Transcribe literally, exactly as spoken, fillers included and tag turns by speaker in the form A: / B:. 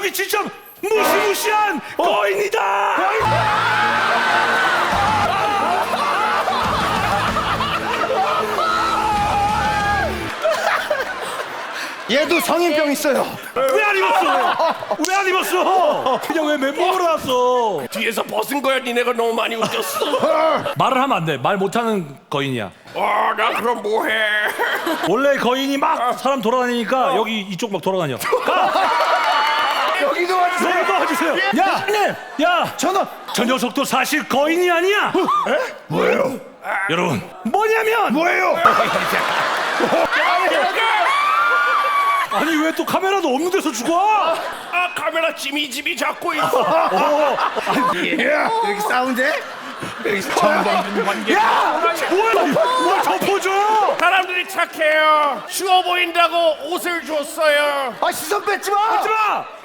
A: 저기 진짜 무시무시한 거인이다.
B: 얘도 성인병 있어요.
A: 왜 안 입었어? 왜 안 입었어? 그냥 왜 맨몸으로 왔어?
C: 뒤에서 벗은 거야. 니네가 너무 많이 웃겼어.
A: 말을 하면 안 돼. 말 못하는 거인이야.
C: 아, 나 그럼 뭐해?
A: 원래 거인이 막 사람 돌아다니니까 여기 이쪽 막 돌아다녀.
B: 여기도 와주세요.
A: 여기 도와주세요.
B: 야, 님,
A: 야,
B: 전화.
A: 저 녀석도 사실 거인이 아니야.
B: 뭐예요?
A: 여러분, 뭐냐면
B: 뭐예요?
A: 아니 왜 또 카메라도 없는 데서 죽어?
C: 아, 카메라 지미지미 잡고 있어.
B: 이렇게 싸운데?
C: 정범준 관계.
A: 뭐야? 뭘 덮어줘?
C: 사람들이 착해요. 추워 보인다고 옷을 줬어요.
B: 아, 시선 뺏지 마.
A: 하지 마.